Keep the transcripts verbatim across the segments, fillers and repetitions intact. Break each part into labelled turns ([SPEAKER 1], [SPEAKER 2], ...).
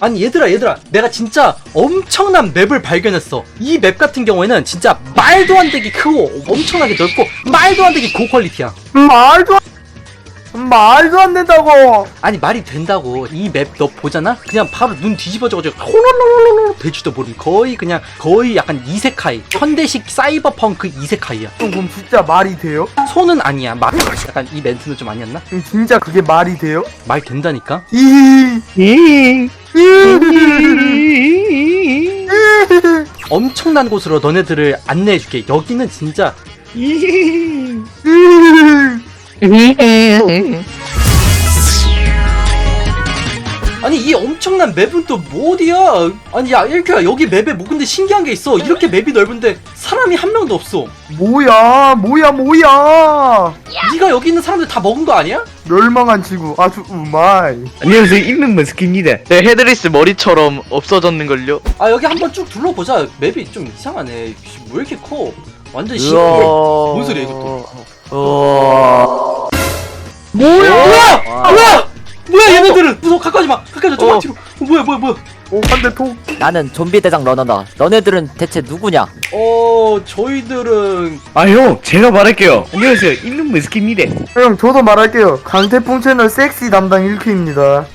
[SPEAKER 1] 아니 얘들아 얘들아 내가 진짜 엄청난 맵을 발견했어. 이 맵 같은 경우에는 진짜 말도 안 되게 크고 엄청나게 넓고 말도 안 되게 고퀄리티야.
[SPEAKER 2] 말도 안 말도 안 된다고.
[SPEAKER 1] 아니 말이 된다고. 이 맵 너 보잖아? 그냥 바로 눈 뒤집어져가지고 호로로로로 될지도 모르는 거의 그냥 거의 약간 이세카이 현대식 사이버펑크 이세카이야.
[SPEAKER 2] 그럼 진짜 말이 돼요?
[SPEAKER 1] 손은 아니야. 말 약간 이 멘트는 좀 아니었나?
[SPEAKER 2] 음, 진짜 그게 말이 돼요?
[SPEAKER 1] 말 된다니까?
[SPEAKER 2] 이
[SPEAKER 1] 엄청난 곳으로 너네들을 안내해줄게. 여기는 진짜 아니 이 엄청난 맵은 또 뭐 어디야? 아니 야 일큐야 여기 맵에 뭐 근데 신기한 게 있어. 이렇게 맵이 넓은데 사람이 한 명도 없어.
[SPEAKER 2] 뭐야 뭐야 뭐야.
[SPEAKER 1] 네가 여기 있는 사람들 다 먹은 거 아니야?
[SPEAKER 2] 멸망한 지구 아주 우마이.
[SPEAKER 3] 안녕하세요, 있는 머스키입니다.
[SPEAKER 4] 내 헤드리스 머리처럼 없어졌는걸요?
[SPEAKER 1] 아 여기 한번 쭉 둘러보자. 맵이 좀 이상하네. 왜 이렇게 커? 완전 시.
[SPEAKER 4] 우와.
[SPEAKER 1] 뭔 소리야 이것도?
[SPEAKER 4] 어...
[SPEAKER 1] 뭐야? 뭐야?
[SPEAKER 4] 와.
[SPEAKER 1] 뭐야? 뭐야 얘네들은? 무서워. 가까이지 마. 가까이지 마. 조금만
[SPEAKER 4] 어.
[SPEAKER 1] 뒤로. 어, 뭐야 뭐야 뭐야?
[SPEAKER 2] 오 한 대 톡.
[SPEAKER 5] 나는 좀비 대장 러너다. 너네들은 대체 누구냐?
[SPEAKER 1] 어 저희들은
[SPEAKER 3] 아, 형, 제가 말할게요. 안녕하세요, 있는 머스키입니다.
[SPEAKER 2] 형 저도 말할게요. 강태풍 채널 섹시 담당 일큐입니다.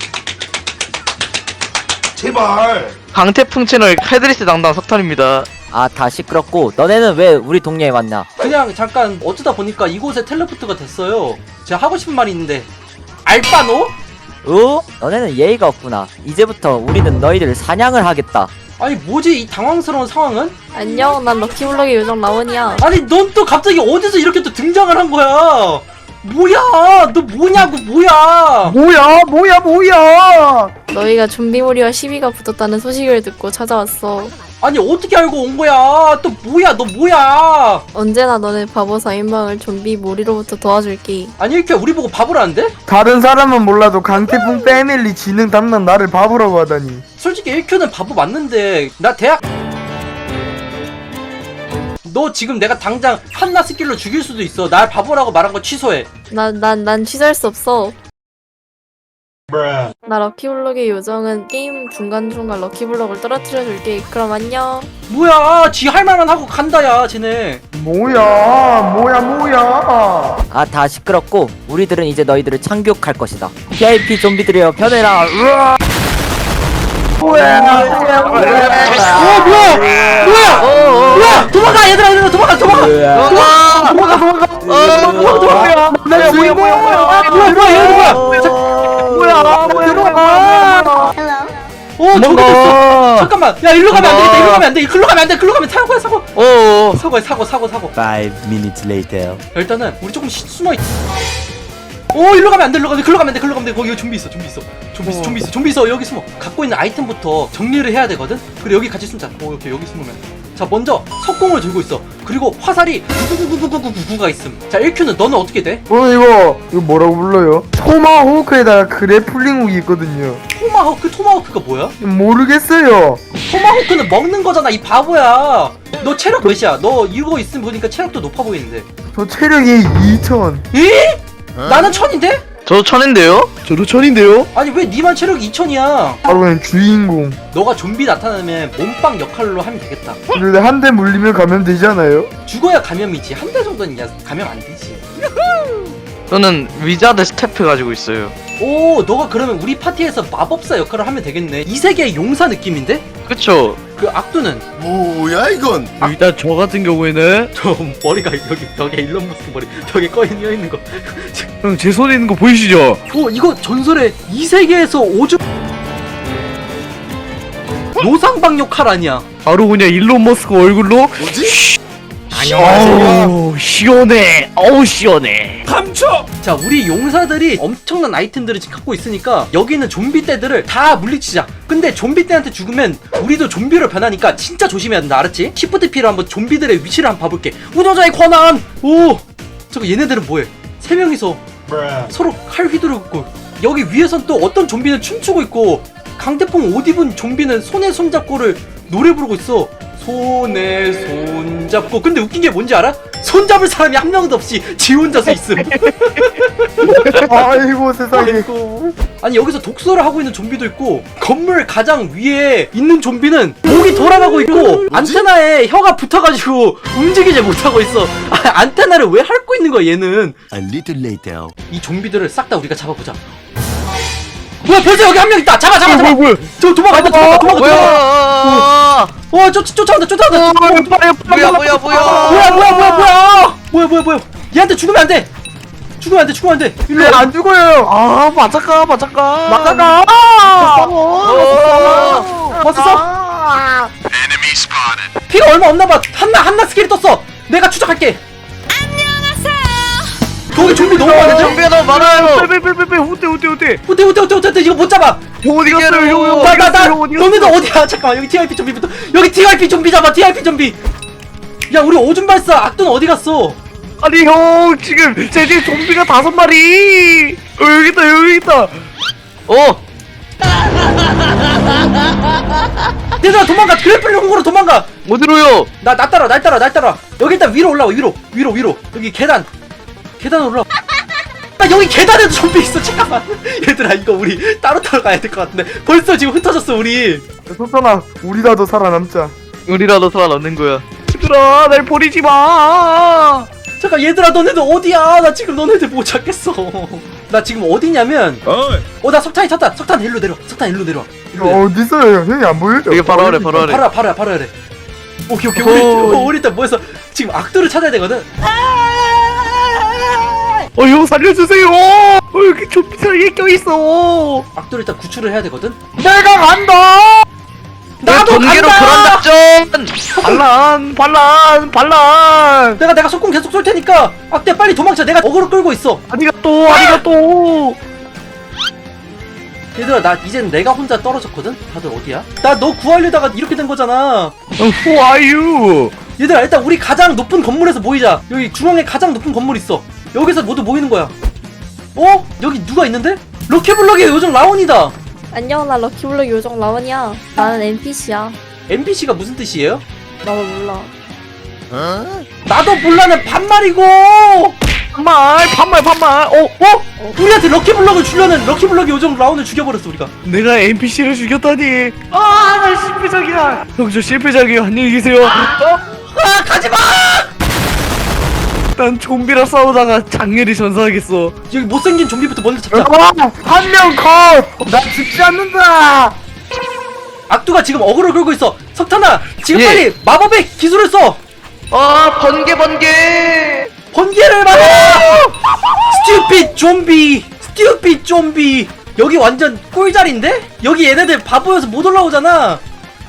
[SPEAKER 4] 강태풍 채널 헤드리스 담당 석탄입니다.
[SPEAKER 5] 아, 다 시끄럽고 너네는 왜 우리 동네에 왔냐?
[SPEAKER 1] 그냥 잠깐 어쩌다 보니까 이곳에 텔레포트가 됐어요. 제가 하고 싶은 말이 있는데 알바노?
[SPEAKER 5] 어? 너네는 예의가 없구나. 이제부터 우리는 너희들 사냥을 하겠다.
[SPEAKER 1] 아니 뭐지 이 당황스러운 상황은?
[SPEAKER 6] 안녕, 난 럭키블럭의 요정 라온이야.
[SPEAKER 1] 아니 넌 또 갑자기 어디서 이렇게 또 등장을 한 거야? 뭐야 너 뭐냐고 뭐야?
[SPEAKER 2] 뭐야 뭐야 뭐야.
[SPEAKER 6] 너희가 좀비몰이와 시비가 붙었다는 소식을 듣고 찾아왔어.
[SPEAKER 1] 아니 어떻게 알고 온 거야? 또 뭐야 너 뭐야?
[SPEAKER 6] 언제나 너네 바보 사인방을 좀비 몰이로부터 도와줄게.
[SPEAKER 1] 아니 이렇게 우리 보고 바보라는데?
[SPEAKER 2] 다른 사람은 몰라도 강태풍 패밀리 지능 담당 나를 바보라고 하다니.
[SPEAKER 1] 솔직히 일 큐는 바보 맞는데 나 대학 너 지금 내가 당장 한나 스킬로 죽일 수도 있어. 날 바보라고 말한 거 취소해.
[SPEAKER 6] 난, 난, 난 취소할 수 없어. 나 럭키블럭의 요정은 게임 중간중간 럭키블럭을 떨어뜨려줄게. 그럼 안녕.
[SPEAKER 1] 뭐야 지 할말만 하고 간다 야 쟤네.
[SPEAKER 2] 뭐야 뭐야 뭐야.
[SPEAKER 5] 아, 다 시끄럽고 우리들은 이제 너희들을 참교육할 것이다. 브이아이피 좀비들이여 변해라. 으아!
[SPEAKER 2] 뭐야
[SPEAKER 1] 어 뭐야 뭐야 뭐야 도망가 얘들아 얘들아 도망가 도망가 도망가 도망가 도망가 도망가 도망가
[SPEAKER 2] 내 주인공.
[SPEAKER 1] 뭐야 뭐야 얘들 뭐야
[SPEAKER 2] 뭐야 뭐야 뭐야.
[SPEAKER 1] 어 저기 됐어 잠깐만 야 일로 가면 안 되겠다 일로 가면 안돼 일로 가면 안돼 일로 가면 사고야 사고
[SPEAKER 4] 어어.
[SPEAKER 1] 사고야 사고 사고 사고
[SPEAKER 5] Five minutes later.
[SPEAKER 1] 일단은 우리 조금 시, 숨어있 오 일로 가면 안돼 일로 가면 글로 가면 안돼 글로 가면 돼 거기 좀비 있어 좀비 있어 좀비 있어 좀비 있어 좀비 있어 여기 숨어 갖고 있는 아이템부터 정리를 해야 되거든. 그리고 여기 같이 숨자. 오 이렇게 여기 숨으면 자 먼저 석공을 들고 있어. 그리고 화살이 구구구구구구구구가 있음. 자 일 큐는 너는 어떻게 돼?
[SPEAKER 2] 어 이거 이거 뭐라고 불러요? 토마호크에다가 그래플링 훅이 있거든요.
[SPEAKER 1] 토마호크 토마호크가 뭐야?
[SPEAKER 2] 모르겠어요.
[SPEAKER 1] 토마호크는 먹는 거잖아 이 바보야. 너 체력 몇이야? 너 이거 있으면 보니까 체력도 높아 보이는데.
[SPEAKER 2] 저 체력이 이천.
[SPEAKER 1] 에? 나는 천인데?
[SPEAKER 4] 저도 천인데요?
[SPEAKER 3] 저도 천인데요?
[SPEAKER 1] 아니 왜 니만 체력이 이천이야?
[SPEAKER 2] 바로 그냥 주인공.
[SPEAKER 1] 너가 좀비 나타나면 몸빵 역할로 하면 되겠다.
[SPEAKER 2] 근데 한 대 물리면 가면 되잖아요.
[SPEAKER 1] 죽어야 감염이지. 한 대 정도는 야 감염 안 되지.
[SPEAKER 4] 저는 위자드 스태프 가지고 있어요.
[SPEAKER 1] 오 너가 그러면 우리 파티에서 마법사 역할을 하면 되겠네. 이 세계의 용사 느낌인데?
[SPEAKER 4] 그쵸?
[SPEAKER 1] 그 악두는?
[SPEAKER 7] 뭐야 이건?
[SPEAKER 3] 일단 저 같은 경우에는
[SPEAKER 1] 저 머리가 여기 벽에 일론 머스크 머리 벽에 꺼이어 있는 거.
[SPEAKER 3] 형, 제 손에 있는 거 보이시죠?
[SPEAKER 1] 오 이거 전설의 이 세계에서 오주 노상방 역할 아니야?
[SPEAKER 3] 바로 그냥 일론 머스크 얼굴로.
[SPEAKER 7] 뭐지?
[SPEAKER 3] 어우, 시원해. 어우, 시원해.
[SPEAKER 1] 자 우리 용사들이 엄청난 아이템들을 지금 갖고 있으니까 여기 있는 좀비 떼들을 다 물리치자. 근데 좀비 떼한테 죽으면 우리도 좀비로 변하니까 진짜 조심해야 된다 알았지? 시프트 P로 한번 좀비들의 위치를 한번 봐볼게. 운영자의 권한! 오! 저거 얘네들은 뭐해? 세 명이서 서로 칼 휘두르고 있고 여기 위에선 또 어떤 좀비는 춤추고 있고 강태풍 옷 입은 좀비는 손에 손잡고를 노래 부르고 있어. 손에 손 잡고. 근데 웃긴 게 뭔지 알아? 손 잡을 사람이 한 명도 없이 지 혼자서 있음.
[SPEAKER 2] 아이고 세상에.
[SPEAKER 1] 아이고. 아니 여기서 독서를 하고 있는 좀비도 있고, 건물 가장 위에 있는 좀비는 목이 돌아가고 있고 안테나에 혀가 붙어가지고 움직이지 못하고 있어. 아, 안테나를 왜 핥고 있는 거야 얘는.
[SPEAKER 7] A little later.
[SPEAKER 1] 이 좀비들을 싹 다 우리가 잡아보자. 뭐야, 벌써 여기 한 명 있다. 잡아 잡아 잡아.
[SPEAKER 3] 뭐야
[SPEAKER 1] 저 도망가 도망가 도망가 도망가.
[SPEAKER 4] 뭐야?
[SPEAKER 1] 와, 쫓 쫓아온다 쫓아온다.
[SPEAKER 4] 뭐야 뭐야 뭐야?
[SPEAKER 1] 뭐야 뭐야 뭐야 뭐야 뭐야 뭐야 뭐야. 얘한테 죽으면 안 돼. 죽으면 안 돼. 죽으면 안 돼. 일로 와.
[SPEAKER 2] 안 죽어요.
[SPEAKER 4] 아 맞아까 맞아까.
[SPEAKER 2] 막아가.
[SPEAKER 1] 왔어? 피가 얼마 없나 봐. 한나 한나 스킬이 떴어. 내가 추적할게. 거기 좀비 너무 많은데?
[SPEAKER 4] 좀비가 너무 많아요.
[SPEAKER 3] 빼빼빼빼 후퇴 후퇴 후퇴
[SPEAKER 1] 후퇴 후퇴 후퇴 후퇴. 이거 못 잡아.
[SPEAKER 3] 어디 갔어요 형 형,
[SPEAKER 1] 나
[SPEAKER 3] 어디
[SPEAKER 1] 나 나
[SPEAKER 3] 갔어요 형, 어디 갔어요?
[SPEAKER 1] 너네들 어디야? 잠깐만, 여기 티아이피 좀비부터. 여기 티아이피 좀비 잡아. 티아이피 좀비. 야, 우리 오줌 발사. 악돈 어디 갔어?
[SPEAKER 3] 아니 형 지금 제 집에 좀비가 다섯 마리. 어 여기 있다 여기 있다.
[SPEAKER 4] 어.
[SPEAKER 1] 얘들아 도망가. 그래플링 홍으로 도망가.
[SPEAKER 4] 어디로요?
[SPEAKER 1] 나 나 따라 날 따라 날 따라. 여기 일단 위로 올라와. 위로 위로 위로. 여기 계단. 계단 올라. 나 여기 계단에도 좀비 있어. 잠깐만. 얘들아 이거 우리 따로 따로 가야 될 것 같은데. 벌써 지금 흩어졌어 우리.
[SPEAKER 2] 소편아, 우리라도 살아남자.
[SPEAKER 4] 우리라도 살아남는 거야.
[SPEAKER 3] 얘들아 날 버리지 마.
[SPEAKER 1] 잠깐 얘들아 너네들 어디야? 나 지금 너네들 못 찾겠어. 나 지금 어디냐면 어 나 석탄이 탔다. 석탄 일로 내려. 석탄 일로 내려. 일로 내려.
[SPEAKER 2] 어디 있어요, 형? 형이 안 보여요?
[SPEAKER 4] 여기 바로 아래 바로 아래.
[SPEAKER 1] 바로 바로 바로 해야 오케이 오케이. 우리 어, 우리 일단 모여서 지금 악도를 찾아야 되거든.
[SPEAKER 3] 어 형 살려주세요. 어 여기 좀비 사이에 껴있어.
[SPEAKER 1] 악도를 일단 구출을 해야 되거든.
[SPEAKER 2] 내가 간다.
[SPEAKER 1] 나도
[SPEAKER 4] 번개로
[SPEAKER 1] 간다.
[SPEAKER 4] 불안 작전.
[SPEAKER 3] 반란 반란 반란.
[SPEAKER 1] 내가 내가 속공 계속 쏠 테니까 악대 빨리 도망쳐. 내가 어그로 끌고 있어.
[SPEAKER 3] 아리가또 아리가또.
[SPEAKER 1] 얘들아 나 이젠 내가 혼자 떨어졌거든. 다들 어디야? 나 너 구하려다가 이렇게 된 거잖아.
[SPEAKER 3] Who are you?
[SPEAKER 1] 얘들아 일단 우리 가장 높은 건물에서 모이자. 여기 중앙에 가장 높은 건물 있어. 여기서 모두 모이는 거야. 어? 여기 누가 있는데? 럭키블럭의 요정 라온이다.
[SPEAKER 6] 안녕, 나 럭키블럭 요정 라원이야. 나는 엔피씨야.
[SPEAKER 1] 엔피씨가 무슨 뜻이에요?
[SPEAKER 6] 나도 몰라.
[SPEAKER 1] 나도 몰라는 반말이고.
[SPEAKER 3] 반말 반말 반말. 어 어?
[SPEAKER 1] 우리한테 럭키블럭을 주려는 럭키블럭의 요정 라온을 죽여버렸어 우리가.
[SPEAKER 3] 내가 엔피씨를 죽였다니. 아나 실패작이야. 형 저 실패작이에요. 안녕히 계세요. 어?
[SPEAKER 1] 아 가지마.
[SPEAKER 3] 난 좀비랑 싸우다가 장렬히 전사하겠어.
[SPEAKER 1] 여기 못생긴 좀비부터 먼저 잡자.
[SPEAKER 2] 한명 컷. 나 죽지 않는다.
[SPEAKER 1] 악두가 지금 어그로 끌고 있어. 석탄아 지금
[SPEAKER 4] 예.
[SPEAKER 1] 빨리 마법의 기술을 써.
[SPEAKER 4] 아 번개 번개.
[SPEAKER 1] 번개를 맞아. 스튜핏 좀비. 스튜핏 좀비. 여기 완전 꿀자리인데? 여기 얘네들 바보여서 못 올라오잖아.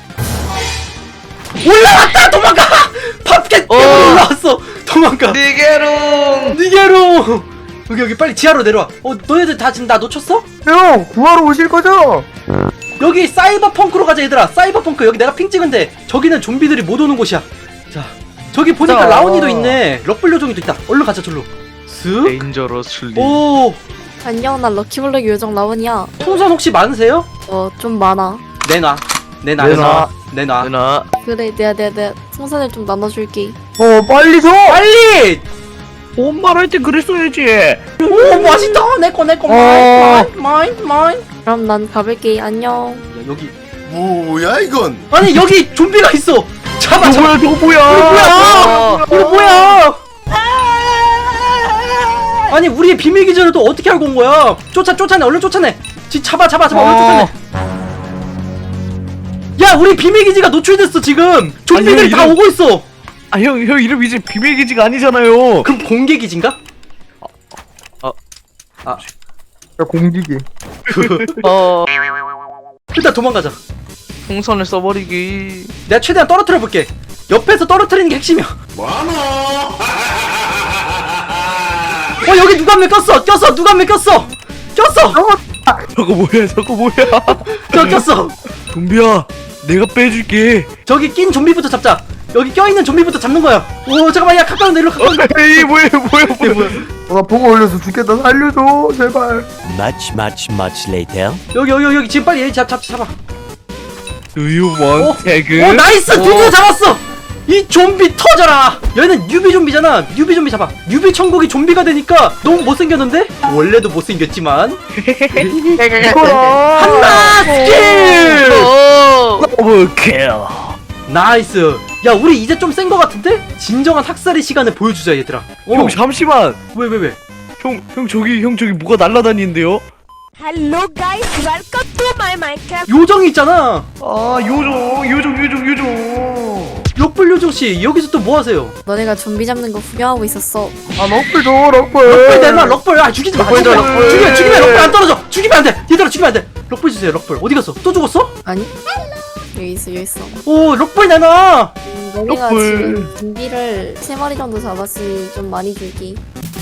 [SPEAKER 1] 올라왔다. 도망가. 팝켓 때문에
[SPEAKER 4] 어.
[SPEAKER 1] 올라왔어. 도망가.
[SPEAKER 4] 니게롱.
[SPEAKER 1] 니게로. 여기 여기 빨리 지하로 내려와. 어 너네들 다 지금 나 놓쳤어?
[SPEAKER 2] 형, 구하러 오실 거죠?
[SPEAKER 1] 여기 사이버펑크로 가자 얘들아. 사이버펑크. 여기 내가 핑 찍은데 저기는 좀비들이 못 오는 곳이야. 자 저기 보니까
[SPEAKER 3] 자.
[SPEAKER 1] 라온이도 있네. 럭블 요정이도 있다. 얼른 가자 절로. 쓱.
[SPEAKER 4] 데인저러슬리.
[SPEAKER 1] 오.
[SPEAKER 6] 안녕, 나 럭키블럭 요정 라원이야.
[SPEAKER 1] 풍선 혹시 많으세요?
[SPEAKER 6] 어, 좀 많아.
[SPEAKER 1] 내놔. 내놔.
[SPEAKER 2] 내놔.
[SPEAKER 1] 내놔.
[SPEAKER 4] 누나.
[SPEAKER 6] 그래, 내가 내가 내가 풍선을 좀 나눠줄게.
[SPEAKER 2] 어, 빨리 줘.
[SPEAKER 1] 빨리.
[SPEAKER 3] 엄마를 할 때 그랬어야지.
[SPEAKER 1] 오 맛있다. 내거 내거
[SPEAKER 2] 어.
[SPEAKER 1] 마인 마인 마인.
[SPEAKER 6] 그럼 난 가볼게. 안녕.
[SPEAKER 1] 야, 여기
[SPEAKER 7] 뭐야 이건?
[SPEAKER 1] 아니 여기 좀비가 있어. 잡아
[SPEAKER 3] 저거
[SPEAKER 1] 잡아.
[SPEAKER 3] 뭐야 저거 뭐야.
[SPEAKER 1] 뭐야? 이거 뭐야? 아니 우리의 비밀 기지를 또 어떻게 알고 온 거야? 쫓아 쫓아내. 얼른 쫓아내. 지 잡아 잡아 잡아. 얼른 쫓아내. 야 우리 비밀 기지가 노출됐어 지금. 좀비들이
[SPEAKER 3] 아니,
[SPEAKER 1] 다
[SPEAKER 3] 이런-
[SPEAKER 1] 오고 있어.
[SPEAKER 3] 아 형 형 이름 이제 비밀 기지가 아니잖아요.
[SPEAKER 1] 그럼 공개 기지인가?
[SPEAKER 2] 야, 공기기.
[SPEAKER 4] 어.
[SPEAKER 1] 일단 도망가자.
[SPEAKER 4] 풍선을 써버리기.
[SPEAKER 1] 내가 최대한 떨어뜨려 볼게. 옆에서 떨어뜨리는 게 핵심이야.
[SPEAKER 7] 뭐하노?
[SPEAKER 1] 어 여기 누가 한 명 꼈어. 꼈어. 누가 한 명 꼈어. 꼈어.
[SPEAKER 3] 저거 뭐야 저거 뭐야.
[SPEAKER 1] 저 꼈어.
[SPEAKER 3] 좀비야 내가 빼줄게.
[SPEAKER 1] 저기 낀 좀비부터 잡자. 여기 껴있는 좀비부터 잡는 거야. 오 잠깐만. 야 가까운 데 일로 가까운 데.
[SPEAKER 3] 에이 뭐야 뭐야 뭐야.
[SPEAKER 1] 뭐야.
[SPEAKER 2] 어, 나 보고 올려서 죽겠다. 살려줘, 제발.
[SPEAKER 7] Much much much later.
[SPEAKER 1] 여기 여기 여기 지금 빨리 얘 잡 잡 잡아.
[SPEAKER 3] Do you want
[SPEAKER 1] 어?
[SPEAKER 3] 태그?
[SPEAKER 1] 오 나이스 드디어 잡았어. 이 좀비 터져라. 얘는 뉴비 좀비잖아. 뉴비 좀비 잡아. 뉴비 천국이 좀비가 되니까 너무 못생겼는데? 원래도 못생겼지만
[SPEAKER 2] 이거라.
[SPEAKER 1] 한나 스킬.
[SPEAKER 4] 오!
[SPEAKER 3] 더블킬.
[SPEAKER 1] 나이스. 야 우리 이제 좀 센 거 같은데? 진정한 학살의 시간을 보여주자 얘들아. 어.
[SPEAKER 3] 형 잠시만.
[SPEAKER 1] 왜 왜 왜?
[SPEAKER 3] 형, 형 저기 형 저기 뭐가 날아다니는데요?
[SPEAKER 8] Hello guys, welcome to my Minecraft.
[SPEAKER 1] 요정이 있잖아.
[SPEAKER 3] 아 요정 요정 요정 요정.
[SPEAKER 1] 럭블 요정씨 여기서 또 뭐 하세요?
[SPEAKER 6] 너네가 좀비 잡는 거 구경하고 있었어.
[SPEAKER 2] 아 럭블 줘 럭블.
[SPEAKER 1] 럭블 내놔 럭블. 아 죽이지 마.
[SPEAKER 4] 럭블 줘,
[SPEAKER 1] 죽이면
[SPEAKER 4] 럭블.
[SPEAKER 1] 죽이면 죽이면 럭블 안 떨어져. 죽이면 안 돼. 얘들아 죽이면 안 돼. 럭블 주세요 럭블. 어디 갔어? 또 죽었어?
[SPEAKER 6] 아니? 여기 있어, 여기 있어.
[SPEAKER 1] 오 럭블 내놔.
[SPEAKER 6] 음, 너네가
[SPEAKER 3] 럭블.
[SPEAKER 6] 지금 좀비를 세 마리 정도 잡았으니 좀 많이 줄게.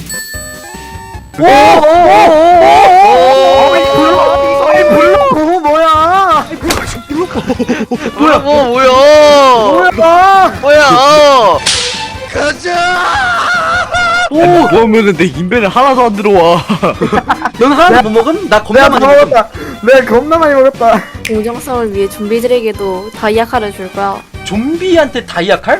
[SPEAKER 2] 아이 블록 뭐야?
[SPEAKER 4] 뭐야 뭐 뭐야?
[SPEAKER 2] 뭐야?
[SPEAKER 4] 뭐야?
[SPEAKER 1] 오,
[SPEAKER 3] 그러면은 내 인벤에 하나도 안 들어와.
[SPEAKER 1] 넌 하나도 못 먹음? 나 겁나
[SPEAKER 2] 내가
[SPEAKER 1] 많이
[SPEAKER 2] 다
[SPEAKER 1] 먹음.
[SPEAKER 2] 먹었다. 내가 겁나 많이 먹었다.
[SPEAKER 6] 공정성을 위해 좀비들에게도 다이아 칼을 줄 거야.
[SPEAKER 1] 좀비한테 다이아 칼?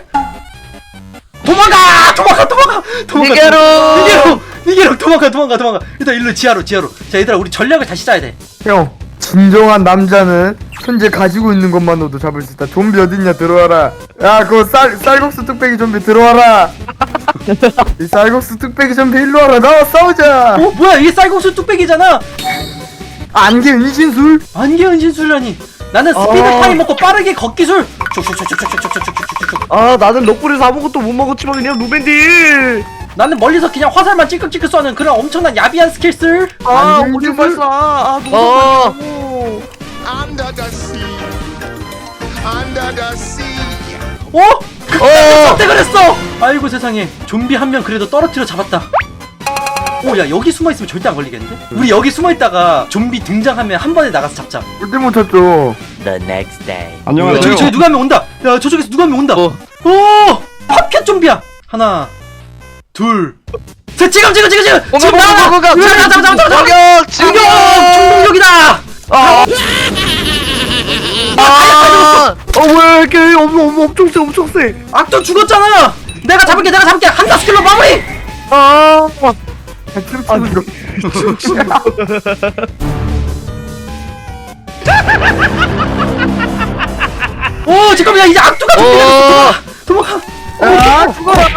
[SPEAKER 1] 도망가! 도망가! 도망가! 도망가!
[SPEAKER 4] 니게로!
[SPEAKER 1] 니게로! 니게로! 도망가! 도망가! 도망가! 일단 일로 지하로 지하로. 자 얘들아 우리 전략을 다시 짜야 돼.
[SPEAKER 2] 형, 진정한 남자는 현재 가지고 있는 것만으로도 잡을 수 있다. 좀비 어딨냐 들어와라. 야, 그거 쌀 쌀국수 뚝배기 좀비 들어와라. 이 쌀국수 뚝배기 좀비 일로 와라. 나와 싸우자.
[SPEAKER 1] 어? 뭐야 이게 쌀국수 뚝배기잖아.
[SPEAKER 2] 안개 은신술.
[SPEAKER 1] 안개 은신술이라니. 나는 스피드
[SPEAKER 3] 어.
[SPEAKER 1] 타임 먹고 빠르게 걷기술. 촉촉촉촉촉촉촉촉촉촉촉.
[SPEAKER 3] 아 나는 럭블에서 아무것도 못 먹었지만 그냥 루벤딜.
[SPEAKER 1] 나는 멀리서 그냥 화살만 찔끔찔끔 쏘는 그런 엄청난 야비한 스킬술.
[SPEAKER 3] 아
[SPEAKER 2] 안돼,
[SPEAKER 3] 오줌
[SPEAKER 2] 이거를-
[SPEAKER 3] 발사. 아
[SPEAKER 4] 어.
[SPEAKER 3] 너무
[SPEAKER 7] Under the sea. Under the sea.
[SPEAKER 1] 어?
[SPEAKER 4] 어.
[SPEAKER 1] 선택을 했어. 아이고 세상에. 좀비 한 명 그래도 떨어뜨려 잡았다. 오, 야 여기 숨어 있으면 절대 안 걸리겠는데? 우리 여기 숨어 있다가 좀비 등장하면 한 번에 나가서 잡자.
[SPEAKER 2] 절대 못 찾죠.
[SPEAKER 5] The next day.
[SPEAKER 1] 야, 저기 저기 누가 한 명 온다. 야 저쪽에서 누가 한 명 온다.
[SPEAKER 4] 어.
[SPEAKER 1] 오, 팝켓 좀비야. 하나, 둘, 셋. 지금 지금 지금 지금.
[SPEAKER 4] 뭔가
[SPEAKER 1] 지금
[SPEAKER 4] 뭔가
[SPEAKER 1] 나와.
[SPEAKER 4] 뭔가
[SPEAKER 1] 잡아 잡아 잡아 잡아.
[SPEAKER 4] 저격
[SPEAKER 1] 충격! 충동력이다.
[SPEAKER 4] 아.
[SPEAKER 3] 어 뭐야 이렇게 엄, 엄, 엄청 세 엄청 세.
[SPEAKER 1] 악도 죽었잖아. 내가 잡을게 내가 잡을게. 한다 스킬로 마무리.
[SPEAKER 3] 아
[SPEAKER 2] 춤추는 거.
[SPEAKER 1] 오 잠깐만 야 이제 악두가 좀비가 됐어. 도망가. 도망가.
[SPEAKER 2] 아, 죽어라.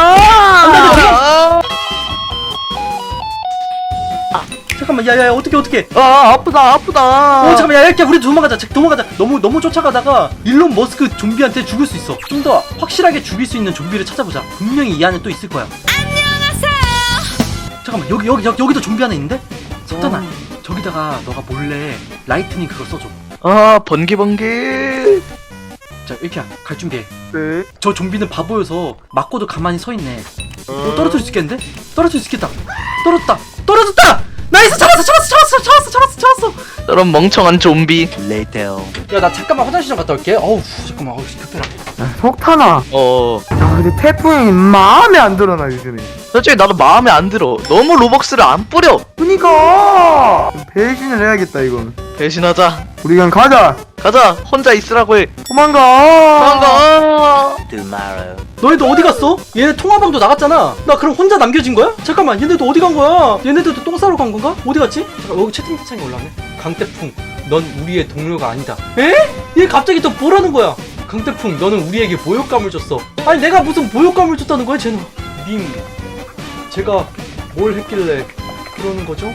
[SPEAKER 1] 잠깐만 야야야 어떻게 어떻게.
[SPEAKER 3] 아 아프다 아프다.
[SPEAKER 1] 어 잠깐만 야 이렇게 우리 도망가자. 자, 도망가자. 너무 너무 쫓아가다가 일론 머스크 좀비한테 죽을 수 있어. 좀 더 확실하게 죽일 수 있는 좀비를 찾아보자. 분명히 이 안에 또 있을 거야. 안녕하세요. 잠깐만 여기 여기 여기 여기도 좀비 하나 있는데? 석탄아 저기다가 너가 몰래 라이트닝 그거 써줘.
[SPEAKER 4] 아 번개 번개.
[SPEAKER 1] 자 이렇게 갈 준비해.
[SPEAKER 2] 네.
[SPEAKER 1] 저 좀비는 바보여서 맞고도 가만히 서 있네. 어, 떨어뜨릴 수 있겠는데? 떨어뜨릴 수 있겠다. 떨어졌다. 떨어졌다. 나이스 잡았어 잡았어 잡았어 잡았어 잡았어 잡았어.
[SPEAKER 4] 저런 멍청한 좀비.
[SPEAKER 1] 야 나 잠깐만 화장실 좀 갔다 올게. 어우 잠깐만 어우 급해라.
[SPEAKER 2] 야, 석탄아.
[SPEAKER 4] 어.
[SPEAKER 2] 야, 근데 태풍이 마음에 안 들어 나 요즘에.
[SPEAKER 4] 솔직히 나도 마음에 안 들어. 너무 로벅스를 안 뿌려.
[SPEAKER 2] 그니까 좀 배신을 해야겠다 이건.
[SPEAKER 4] 배신하자.
[SPEAKER 2] 우리 그냥 가자.
[SPEAKER 4] 가자. 혼자 있으라고 해.
[SPEAKER 2] 도망가.
[SPEAKER 4] 도망가.
[SPEAKER 5] Tomorrow.
[SPEAKER 1] 너희들 어디 갔어? 얘네 통화방도 나갔잖아. 나 그럼 혼자 남겨진 거야? 잠깐만 얘네도 어디 간 거야? 얘네들도 똥 싸러 간 건가? 어디 갔지? 잠깐 여기 채팅창에 올라왔네. 강태풍 넌 우리의 동료가 아니다. 에? 얘 갑자기 또 뭐라는 거야? 강태풍 너는 우리에게 모욕감을 줬어. 아니 내가 무슨 모욕감을 줬다는 거야 쟤는. 님 제가 뭘 했길래 그러는 거죠?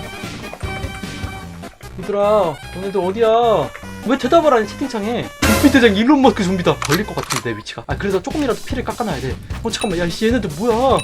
[SPEAKER 1] 얘들아 너네들 어디야? 왜 대답을 안 해 채팅창에. 좀비 대장 일론 머스크 좀비다. 걸릴 것 같은데 내 위치가. 아 그래서 조금이라도 피를 깎아놔야 돼. 어 잠깐만 야 씨, 얘네들 뭐야?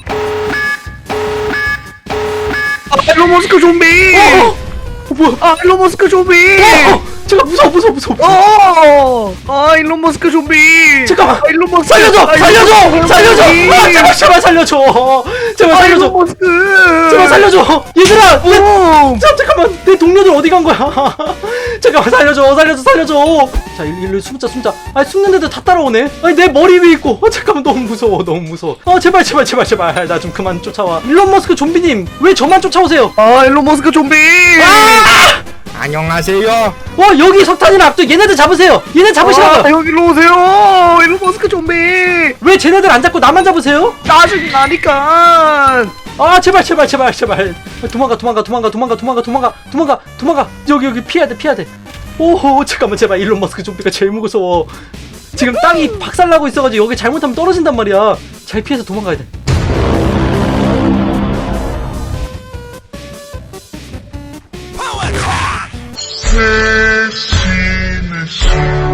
[SPEAKER 3] 아 일론 머스크 좀비.
[SPEAKER 1] 어, 어 뭐야?
[SPEAKER 3] 아 일론 머스크 좀비.
[SPEAKER 1] 어, 잠깐 무서워 무서워 무서워. 무서워.
[SPEAKER 3] 어. 아 일론 머스크 좀비.
[SPEAKER 1] 잠깐만.
[SPEAKER 3] 아, 일론 머스크.
[SPEAKER 1] 살려줘
[SPEAKER 3] 아, 일론
[SPEAKER 1] 살려줘
[SPEAKER 3] 머스크
[SPEAKER 1] 살려줘.
[SPEAKER 3] 좀비.
[SPEAKER 1] 아 제발 제발 살려줘. 제발
[SPEAKER 3] 아
[SPEAKER 1] 살려줘.
[SPEAKER 3] 일론 머스크.
[SPEAKER 1] 제발 살려줘. 얘들아. 얘,
[SPEAKER 3] 오.
[SPEAKER 1] 잠 잠깐만 내 동료들 어디 간 거야? 잠깐만 살려줘 살려줘 살려줘. 자 일, 일로 숨자 숨자. 아 숨는 애들 다 따라오네. 아니 내 머리 위에 있고. 아 잠깐만 너무 무서워 너무 무서워. 아 제발 제발 제발 제발 나 좀 그만 쫓아와. 일론 머스크 좀비님 왜 저만 쫓아오세요?
[SPEAKER 3] 아 일론 머스크 좀비.
[SPEAKER 1] 아!
[SPEAKER 2] 안녕하세요.
[SPEAKER 1] 와 여기 석탄이랑 압도 얘네들 잡으세요. 얘네 잡으시라고.
[SPEAKER 3] 아, 여기로 오세요. 일론 머스크 좀비.
[SPEAKER 1] 왜 쟤네들 안 잡고 나만 잡으세요?
[SPEAKER 3] 짜증이 나니까.
[SPEAKER 1] 아 제발 제발 제발 제발. 도망가 도망가 도망가 도망가 도망가 도망가 도망가 도망가. 여기 여기 피해야 돼 피해야 돼. 오호 잠깐만 제발 일론 머스크 좀비가 제일 무서워. 지금 땅이 박살나고 있어가지고 여기 잘못하면 떨어진단 말이야. 잘 피해서 도망가야 돼.
[SPEAKER 7] 대신의 신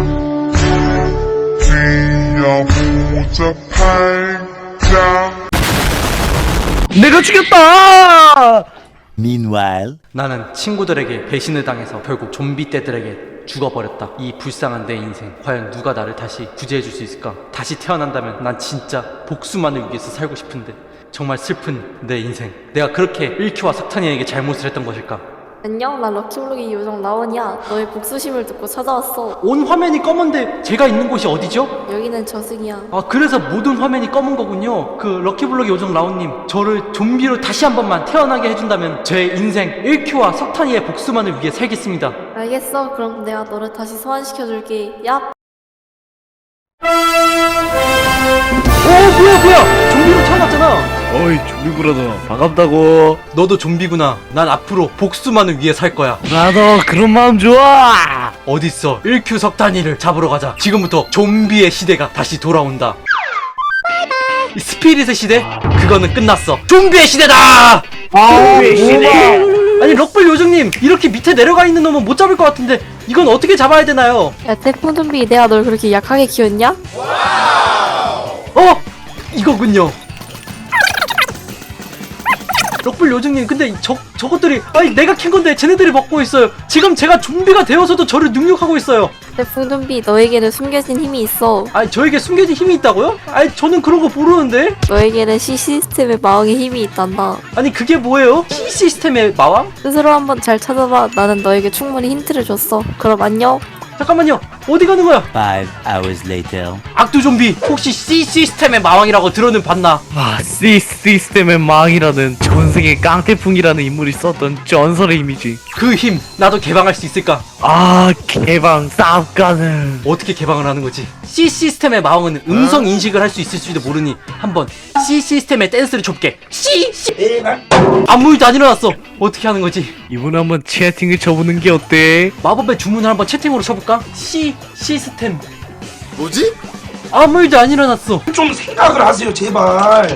[SPEAKER 7] 뛰어보자 팔자.
[SPEAKER 3] 내가 죽였다.
[SPEAKER 1] 나는 친구들에게 배신을 당해서 결국 좀비 떼들에게 죽어버렸다. 이 불쌍한 내 인생. 과연 누가 나를 다시 구제해줄 수 있을까? 다시 태어난다면 난 진짜 복수만을 위해서 살고 싶은데 정말 슬픈 내 인생. 내가 그렇게 일큐와 석탄이에게 잘못을 했던 것일까?
[SPEAKER 6] 안녕, 나 럭키블록의 요정 라온이야. 너의 복수심을 듣고 찾아왔어.
[SPEAKER 1] 온 화면이 검은데 제가 있는 곳이 어디죠?
[SPEAKER 6] 여기는 저승이야.
[SPEAKER 1] 아 그래서 모든 화면이 검은 거군요. 그 럭키블럭 요정 라온님, 저를 좀비로 다시 한 번만 태어나게 해준다면 제 인생 일큐와 석탄이의 복수만을 위해 살겠습니다.
[SPEAKER 6] 알겠어. 그럼 내가 너를 다시 소환시켜줄게. 얍.
[SPEAKER 1] 오 뭐야 뭐야 좀비로 태어났잖아.
[SPEAKER 3] 어이 좀비 브라더 반갑다고.
[SPEAKER 1] 너도 좀비구나. 난 앞으로 복수만을 위해 살 거야.
[SPEAKER 3] 브라더 그런 마음 좋아.
[SPEAKER 1] 어딨어? 일큐 석탄이를 잡으러 가자. 지금부터 좀비의 시대가 다시 돌아온다. 이 스피릿의 시대? 그거는 끝났어. 좀비의 시대다!
[SPEAKER 3] 좀비 시대.
[SPEAKER 1] 아니 럭블 요정님, 이렇게 밑에 내려가 있는 놈은 못 잡을 것 같은데 이건 어떻게 잡아야 되나요?
[SPEAKER 6] 야, 태풍 좀비, 내가 널 그렇게 약하게 키웠냐?
[SPEAKER 1] 어! 이거군요. 럭블 요정님, 근데 저, 저것들이 아니 내가 캔 건데 쟤네들이 먹고 있어요. 지금 제가 좀비가 되어서도 저를 능욕하고 있어요.
[SPEAKER 6] 태풍 좀비, 너에게는 숨겨진 힘이 있어.
[SPEAKER 1] 아니 저에게 숨겨진 힘이 있다고요? 아니 저는 그런 거 모르는데.
[SPEAKER 6] 너에게는 C 시스템의 마왕의 힘이 있단다.
[SPEAKER 1] 아니 그게 뭐예요? C 시스템의 마왕?
[SPEAKER 6] 스스로 한번 잘 찾아봐. 나는 너에게 충분히 힌트를 줬어. 그럼 안녕.
[SPEAKER 1] 잠깐만요. 어디 가는 거야?
[SPEAKER 9] Five hours later.
[SPEAKER 1] 악두 좀비, 혹시 C 시스템의 마왕이라고 들어는 봤나?
[SPEAKER 3] 아, C 시스템의 망이라는 전생의 깡태풍이라는 인물이 썼던 전설의 힘이지.
[SPEAKER 1] 그 힘 나도 개방할 수 있을까?
[SPEAKER 3] 아, 개방 쌉가는.
[SPEAKER 1] 어떻게 개방을 하는 거지? C 시스템의 마왕은 음성 인식을 할 수 있을지도 모르니 한번 C 시스템의 댄스를 춰볼게. C C 아무 일도 안 일어났어. 어떻게 하는 거지?
[SPEAKER 3] 이분 한번 채팅을 쳐보는 게 어때?
[SPEAKER 1] 마법의 주문을 한번 채팅으로 쳐볼까? C 시스템.
[SPEAKER 7] 뭐지?
[SPEAKER 1] 아무 일도 안 일어났어.
[SPEAKER 10] 좀 생각을 하세요, 제발.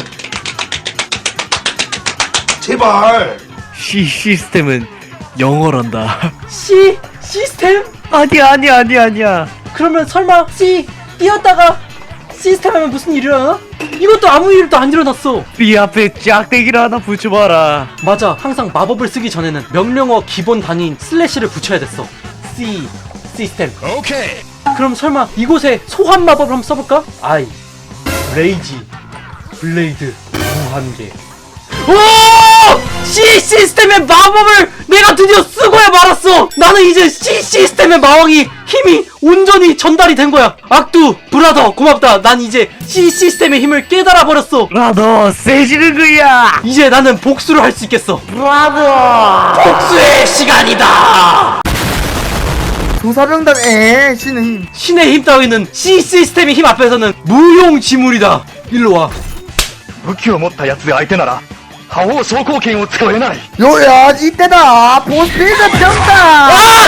[SPEAKER 10] 제발.
[SPEAKER 3] C 시스템은 영어란다.
[SPEAKER 1] C 시스템?
[SPEAKER 3] 아니야, 아니야, 아니야, 아니야.
[SPEAKER 1] 그러면 설마 C 뛰었다가 시스템 하면 무슨 일이 일어나? 이것도 아무 일도 안 일어났어.
[SPEAKER 3] B 앞에 짝대기를 하나 붙여봐라.
[SPEAKER 1] 맞아, 항상 마법을 쓰기 전에는 명령어 기본 단위인 슬래시를 붙여야 됐어. C 시스템.
[SPEAKER 7] 오케이.
[SPEAKER 1] 그럼 설마 이곳에 소환 마법을 한번 써볼까? 아이, 레이지, 블레이드, 무한계. 오! C 시스템의 마법을 내가 드디어 쓰고야 말았어. 나는 이제 C 시스템의 마왕이 힘이 온전히 전달이 된 거야. 악두 브라더 고맙다. 난 이제 C 시스템의 힘을 깨달아 버렸어.
[SPEAKER 3] 브라더 세지는 거야.
[SPEAKER 1] 이제 나는 복수를 할 수 있겠어.
[SPEAKER 3] 브라더.
[SPEAKER 1] 복수의 시간이다.
[SPEAKER 2] 조사병단 에 신의 힘.
[SPEAKER 1] 신의 힘 따위는 C 시스템의 힘 앞에서는 무용지물이다. 일로 와.
[SPEAKER 10] 武器を持ったやつで相手なら覇王昇降拳を使えない。
[SPEAKER 2] 요야 이때다. 보스피드 병다.
[SPEAKER 1] 아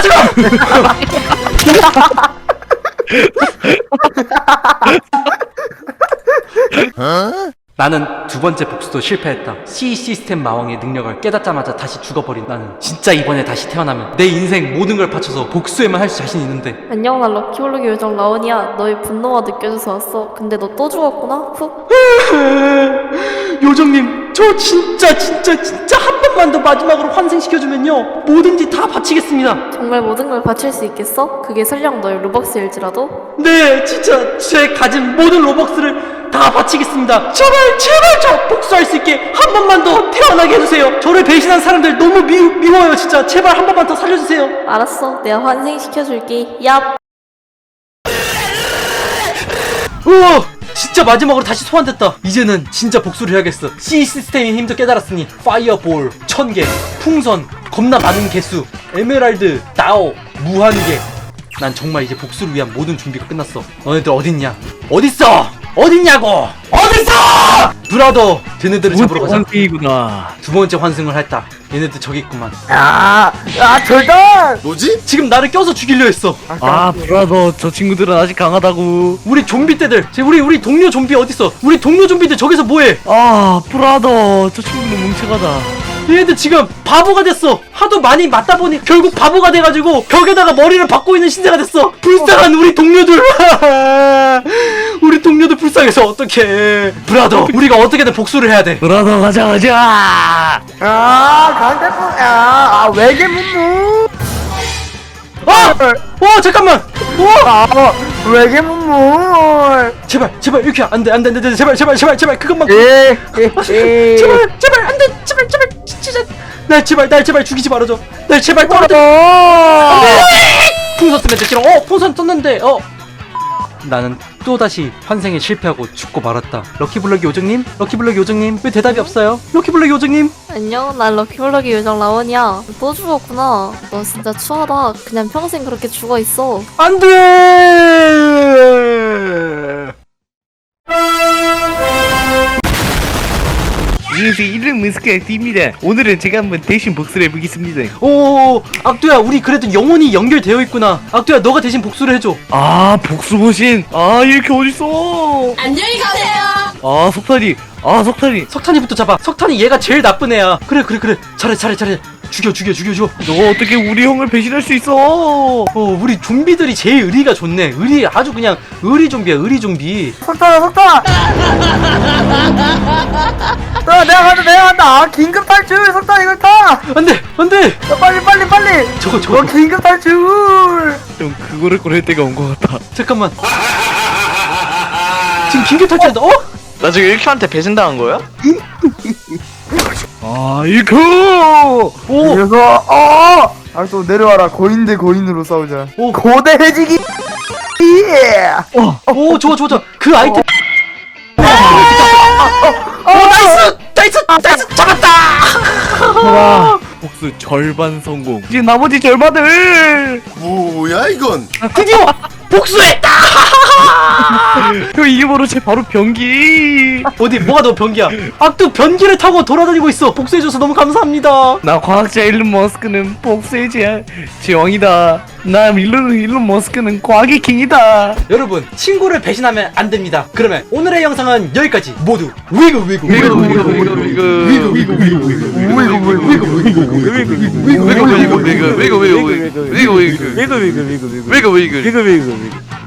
[SPEAKER 1] 잠깐. 나는 두 번째 복수도 실패했다. C 시스템 마왕의 능력을 깨닫자마자 다시 죽어버린 나는 진짜 이번에 다시 태어나면 내 인생 모든 걸 바쳐서 복수에만 할 자신 있는데.
[SPEAKER 6] 안녕, 나 럭키블록의 요정 라온이야. 너의 분노가 느껴져서 왔어. 근데 너 또 죽었구나? 푹.
[SPEAKER 1] 요정님, 저 진짜 진짜 진짜 한 번만 더 마지막으로 환생시켜주면요 뭐든지 다 바치겠습니다.
[SPEAKER 6] 정말 모든 걸 바칠 수 있겠어? 그게 설령 너의 로벅스일지라도?
[SPEAKER 1] 네, 진짜 제 가진 모든 로벅스를 다 바치겠습니다. 제발 제발 저 복수할 수 있게 한 번만 더 태어나게 해주세요. 저를 배신한 사람들 너무 미, 미워요. 진짜 제발 한 번만 더 살려주세요.
[SPEAKER 6] 알았어. 내가 환생시켜줄게. 얍.
[SPEAKER 1] 우와, 진짜 마지막으로 다시 소환됐다. 이제는 진짜 복수를 해야겠어. C 시스템의 힘도 깨달았으니 파이어볼 천개, 풍선 겁나 많은 개수, 에메랄드, 다오, 무한개. 난 정말 이제 복수를 위한 모든 준비가 끝났어. 너네들 어딨냐? 어딨어? 어딨냐고? 어딨어? 브라더, 걔네들을 잡으러 가자.
[SPEAKER 3] 원숭이구나.
[SPEAKER 1] 두 번째 환승을 했다. 얘네들 저기 있구만.
[SPEAKER 2] 야, 야, 절단!
[SPEAKER 7] 뭐지?
[SPEAKER 1] 지금 나를 껴서 죽이려 했어.
[SPEAKER 3] 아 브라더, 저 친구들은 아직 강하다고.
[SPEAKER 1] 우리 좀비 떼들, 제 우리 우리 동료 좀비 어딨어? 우리 동료 좀비들 저기서 뭐해?
[SPEAKER 3] 아 브라더, 저 친구는 뭉쳐가다.
[SPEAKER 1] 얘네들 지금 바보가 됐어. 하도 많이 맞다 보니 결국 바보가 돼가지고 벽에다가 머리를 박고 있는 신세가 됐어. 불쌍한 우리 동료들. 우리 동료들 불쌍해서 어떡해. 브라더, 우리가 어떻게든 복수를 해야 돼.
[SPEAKER 3] 브라더, 가자 가자.
[SPEAKER 2] 아, 강대포, 야, 아, 외계 문무!
[SPEAKER 1] 아! 어 잠깐만. 어!
[SPEAKER 2] 아, 외계 문무!
[SPEAKER 1] 제발 제발 이렇게 안돼 안돼 안돼 제발 제발 제발 제발 그것만.
[SPEAKER 2] 예, 예, 예.
[SPEAKER 1] 제발 제발 안돼 제발 제발 진짜 날 제발 날 제발 죽이지 말아줘. 날 제발 떨어져. 풍선 쓰면 돼. 싫어. 어 풍선 썼는데 어 나는 또다시 환생에 실패하고 죽고 말았다. 럭키블럭 요정님? 럭키블럭 요정님? 왜 대답이 없어요? 럭키블럭 요정님?
[SPEAKER 6] 안녕, 난 럭키블럭의 요정 라온이야. 또 죽었구나. 너 진짜 추하다. 그냥 평생 그렇게 죽어 있어.
[SPEAKER 1] 안돼.
[SPEAKER 3] 안녕하세요, 이름은 스카이입니다. 오늘은 제가 한번 대신 복수를 해보겠습니다.
[SPEAKER 1] 오 악두야 우리 그래도 영혼이 연결되어 있구나. 악두야 너가 대신 복수를 해줘.
[SPEAKER 3] 아 복수보신. 아 이렇게 어딨어.
[SPEAKER 8] 안녕히 가세요.
[SPEAKER 3] 아 석탄이. 아 석탄이.
[SPEAKER 1] 석탄이부터 잡아. 석탄이 얘가 제일 나쁜 애야. 그래 그래 그래 잘해 잘해 잘해. 죽여 죽여 죽여 죽여.
[SPEAKER 3] 너가 어떻게 우리 형을 배신할 수 있어?
[SPEAKER 1] 어 우리 좀비들이 제일 의리가 좋네. 의리 아주 그냥 의리 좀비야 의리 좀비.
[SPEAKER 2] 석탄아, 석탄아! 야, 내가 간다, 내가 간다! 아, 긴급 탈출! 석탄 이걸 타!
[SPEAKER 1] 안돼 안돼.
[SPEAKER 2] 야, 빨리, 빨리, 빨리!
[SPEAKER 1] 저거
[SPEAKER 2] 어,
[SPEAKER 1] 저거
[SPEAKER 2] 긴급 탈출!
[SPEAKER 3] 좀 그거를 꺼낼 때가 온 것 같아.
[SPEAKER 1] 잠깐만. 지금 긴급 탈출한다. 어?
[SPEAKER 4] 나 지금 일큐한테 배신당한 거야?
[SPEAKER 3] 아 이거.
[SPEAKER 1] 오.
[SPEAKER 2] 그래서, 어! 아, 또 내려와라. 고인 대 고인으로 싸우자.
[SPEAKER 1] 오.
[SPEAKER 2] 고대 해지기! 예!
[SPEAKER 1] 오 좋아 좋아 좋아. 그 아이템. 어 나이스 나이스 나이스 잡았다.
[SPEAKER 3] 와 복수 절반 성공. 이제 나머지 절반을.
[SPEAKER 7] 뭐야 이건?
[SPEAKER 1] 드디어 복수했다.
[SPEAKER 3] 형 이게 바로 제 바로 변기.
[SPEAKER 1] 어디 뭐가 너 변기야? 악두 변기를 타고 돌아다니고 있어. 복수해줘서 너무 감사합니다.
[SPEAKER 3] 나 과학자 일론 머스크는 복수의 제, 제왕이다. 나 일론, 일론 머스크는 과학의 킹이다.
[SPEAKER 1] 여러분 친구를 배신하면 안 됩니다. 그러면 오늘의 영상은 여기까지. 모두 위그 위그 위그 위그 위그 위그 위그 위그 위그 위그 위그 위그 위그 위그